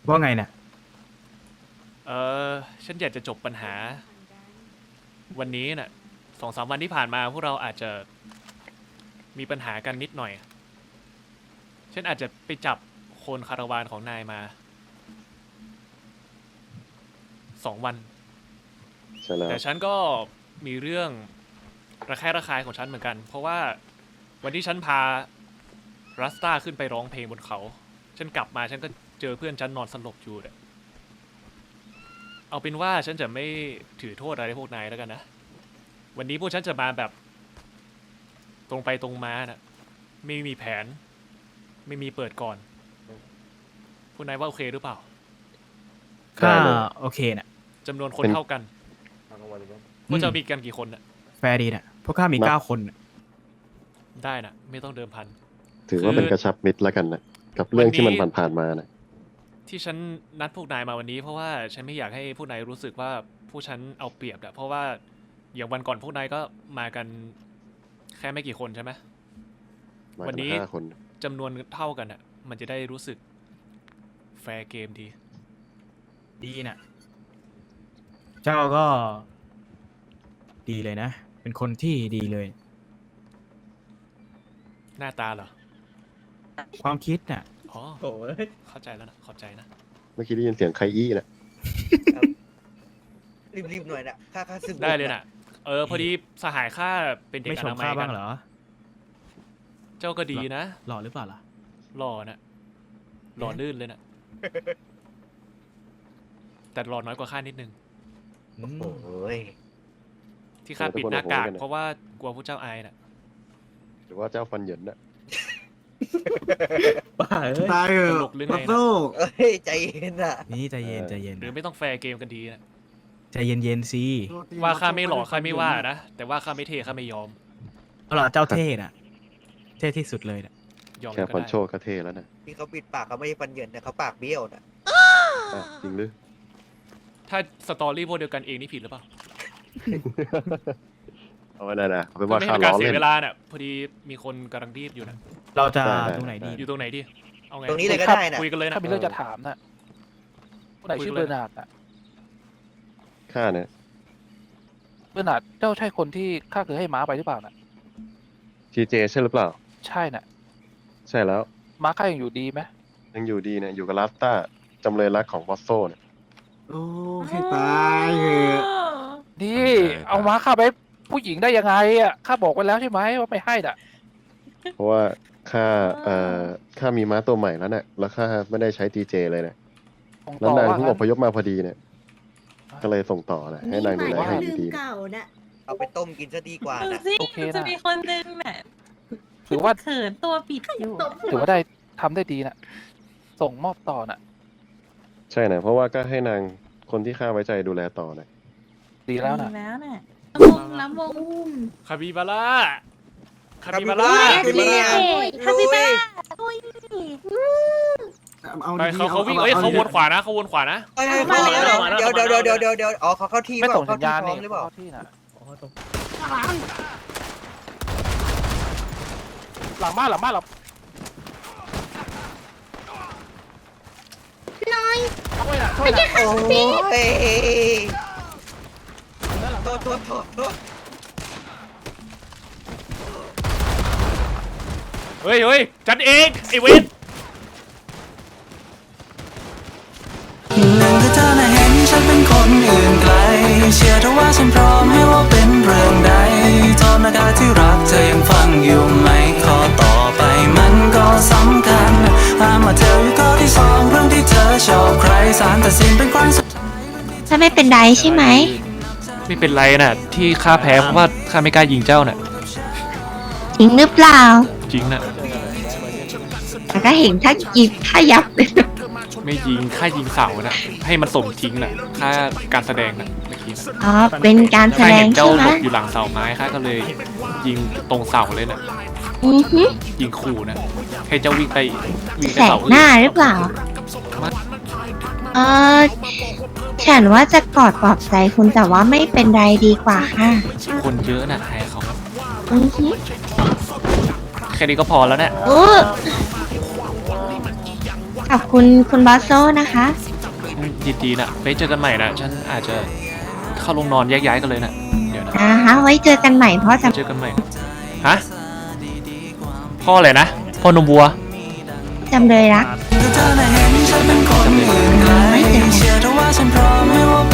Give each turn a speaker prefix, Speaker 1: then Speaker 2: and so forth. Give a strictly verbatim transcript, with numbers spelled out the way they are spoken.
Speaker 1: ว่าไงเนี่ย
Speaker 2: เออฉันอยากจะจบปัญหาวันนี้น่ะสองสามวันที่ผ่านมาพวกเราอาจจะมีปัญหากันนิดหน่อย ฉันอาจจะไปจับคนคาราวานของนายมาสองวัน
Speaker 3: ใช่แล้ว
Speaker 2: แต่ฉันก็มีเรื่องระแคะระคายของฉันเหมือนกัน เพราะว่าวันที่ฉันพารัสตาขึ้นไปร้องเพลงบนเขา ฉันกลับมาฉันก็เจอเพื่อนฉันนอนสลบอยู่เนี่ยเอาเป็นว่าฉันจะไม่ถือโทษอะไรพวกนายแล้วกันนะ วันนี้พวกฉันจะมาแบบตรงไปตรงมานะไม่มีแผน ไม่มีเปิดก่อนพวกนายว่าโอเคหรือเปล่า
Speaker 1: ก็โอเคน่ะ
Speaker 2: จำนวนคนเท่ากันพวกเจ้ามีกันกี่คนน่ะ
Speaker 1: แฟร์ดีน่ะพวกข้ามีเก้าคนน่ะ
Speaker 2: ได้น่ะไม่ต้องเดิมพัน
Speaker 3: ถือว่าเป็นกระชับมิตรแล้วกันนะกับเรื่องที่มันผ่านๆมานะ
Speaker 2: ที่ฉันนัดพวกนายมาวันนี้เพราะว่าฉันไม่อยากให้พวกนายรู้สึกว่าพวกฉันเอาเปรียบอะเพราะว่าอย่างวันก่อนพวกนายก็มากันแค่ไม่กี่คนใช่ไหมวันนี้จำนวนเท่ากันอะมันจะได้รู้สึกแฟร์เกมดี
Speaker 1: ดีน่ะเจ้าก็ดีเลยนะเป็นคนที่ดีเลย
Speaker 2: หน้าตาเหรอ
Speaker 1: ความคิดน่ะ
Speaker 2: อ๋อโอ้ยเข้าใจแล้วนะขอบใจนะ
Speaker 3: เมื่อกี้ได้ยินเสียงใครอี้นะ
Speaker 4: รีบๆหน่อยนะค่าค่าซึม
Speaker 2: ได้เลยนะเออพอดีสหายข้าเป็นเด็กอนามัยกัน
Speaker 1: เหรอ
Speaker 2: เจ้าก็ดีนะ
Speaker 1: หล่อหรือเปล่าล่ะ
Speaker 2: หล่อนะหล่อลื่นเลยนะแต่หล่อน้อยกว่าข้านิดนึง
Speaker 4: โอ้ย
Speaker 2: ที่ข้าปิดหน้ากากเพราะว่ากลัวผู้เจ้าอายน่ะ
Speaker 3: หรือว่าเจ้าฟันเหยินน่ะ
Speaker 1: บ้าเอ้ย
Speaker 2: ตายเหรอมา
Speaker 4: สู้เอ้ยใจเย็นอ่ะ
Speaker 1: นี่ใจเย็นใจเย็น
Speaker 2: หรือไม่ต้องแฟร์เกมกันดีนะ
Speaker 1: ใจเย็นเย็นสิ
Speaker 2: ว่าข้าไม่หล่อข้าไม่ว่านะแต่ว่าข้าไม่เท่ข้าไม่ยอม
Speaker 1: เอาล่ะเจ้าเท่น่ะเท่ที่สุดเลยน่ะ
Speaker 3: ยอมแค่ฟันโชว์ก็เท่แล้วนะ
Speaker 4: ที่เขาปิดปากเขาไม่ใช่ฟันเหยินนะเขาปากเบี้ยวนะ
Speaker 3: จริงหรือ
Speaker 2: ถ้าสตอรี่พวกเดียวกันเองนี่ผิดหรือเปล่า
Speaker 3: เอาไว้ได้นะเป็นว่า
Speaker 2: ข้าล้อเล่นไม่ให้การเสียเวลาเนี่ยพอดีมีคนกำลังรีบอยู่นะ
Speaker 1: เราจะตรงไหนดี
Speaker 2: อยู่ตรงไหนดีเอาไง
Speaker 4: ตรงนี้เลยก็ได้นะ
Speaker 2: คุยกันเลยนะ
Speaker 5: ถ้ามีเรื่องจะถามนะผู้ใดชื่อเบอร์นาร์ดอ่ะ
Speaker 3: ข้าเนี่ย
Speaker 5: เบอร์นาร์ดเจ้าใช่คนที่ข้าเคยให้ม้าไปหรือเปล่าน่ะ
Speaker 3: ทีเจใช่หรือเปล่า
Speaker 5: ใช่น่ะ
Speaker 3: ใช่แล้ว
Speaker 5: ม้าข้ายังอยู่ดีไหม
Speaker 3: ยังอยู่ดีเนี่ยอยู่กับลาสต้าจำเลยรักของบอสโซเนี่ย
Speaker 4: โอ้ให้ตายเหอะ
Speaker 5: นี่เอาม้าข้าไปผู้หญิงได้ยังไงอ่ะข้าบอกไว้แล้วใช่ไหมว่าไม่ให้น่ะ
Speaker 3: เพราะว่าข้าเอ่อข้ามีม้าตัวใหม่แล้วเนี่ยแล้วข้าไม่ได้ใช้ทีเจเลยเนี่ยแล้วนางเพิ่งอพยพมาพอดีเนี่ยก็เลยส่งต่อนะให้นางดูแลให้ดี
Speaker 4: ๆเอาไปต้มกินจะดีกว่านะ
Speaker 5: โอเคนะ
Speaker 6: จะมีคนนึงแหละ
Speaker 5: ถือว่า
Speaker 6: เขินตัวปิดอยู่
Speaker 5: ถือว่าได้ทำได้ดีน่ะส่งมอบต่อน่ะ
Speaker 3: ใช่นะเพราะว่าก็ให้นางคนที่ข้าไว้ใจดูแลต่อนะ
Speaker 5: ดีแล้วนะ
Speaker 6: แล้วน่ะวงล้ำวง
Speaker 2: คาบิบาร่าคาบิบาร่า
Speaker 6: คาบิบาร่าคาบิบาร่า
Speaker 2: ไปเขาเขาวิ่งเอ้ยเขาวนขวานะเขาวนขวานะ
Speaker 4: มาแล้วเดี๋ยวเดี๋ยวเดี๋ยวเดี๋ยวเดี๋ยวอ๋อเขาเข้าที่
Speaker 5: ไม่ส่งสัญญาณ
Speaker 4: นี่
Speaker 5: หรือเปล่าที่น่ะหลังบ้านหลังบ้านเรา
Speaker 6: น้อย
Speaker 5: ช่วยนะช่วยนะ
Speaker 4: โอ้ยโทษโทษโทษโทษ
Speaker 2: เฮ้ยเฮ้ยจัดเองไอเวท
Speaker 7: หนึ่งคือเธอน่ะเห็นฉันเป็นคนอื่นไกลเชื่อเธอว่าฉันพร้อมให้ว่าเป็นเรื่องใดตอนอากาศที่รักเธอยังฟังอยู่ไหมข้อต่อไปมันก็สำคัญห้ามมาเธออยู่ข้อที่สองเรื่องที่เธอชอบใครสารตัดสินเป็นครั้งสุดท้าย
Speaker 6: จะไม่เป็นไรใช่ไหม
Speaker 2: ไม่เป็นไรน่ะที่ข้าแพ้เพราะว่าข้าไม่กล้ายิงเจ้าน่ะ
Speaker 6: จริงหรือเปล่า
Speaker 2: จริงน่ะ
Speaker 6: แต่ก็เห็นถ้ายิบถ้ายับเลย
Speaker 2: ไม่ยิงค่ายิงเสาน่ะให้มันสมทิ้งน่ะค่าการแสดงน่ะเมื่อกี้
Speaker 6: อ๋อเป็นการแสดงใช่ไหม
Speaker 2: เจ้าหลบอยู่หลังเสาไม้ค่าก็เลยยิงตรงเสาเลยน่ะยิงขู่น่ะให้เจ้าวิ่งไปวิ่งไป
Speaker 6: เสาหน้าหรือเปล่าเออฉันว่าจะกอดปลอบใจคุณแต่ว่าไม่เป็นไรดีกว่าค่ะ
Speaker 2: คนเยอะน่ะใครเขา
Speaker 6: อือฮึ
Speaker 2: แค่นี้ก็พอแล้วเนี่ย
Speaker 6: โอ้ขอบคุณคุณบอสโซนะคะ
Speaker 2: ยินดีนะไว้เจอกันใหม่นะฉันอาจจะเข้าลงนอนแยกย้ายกันเลยนะเดี๋ยวนะ
Speaker 6: อ่าฮะไว้เจอกันใหม่เพราะจะ
Speaker 2: เจอกันใหม่ฮะพ่ออะไรนะพ่อนมวัว
Speaker 6: จำเลยรัก
Speaker 7: ถ้าเธอน่ะเห็นฉันเป็นคนอื่นไกลเชื่อเถอะว่าฉันพร้อมไม่ว่า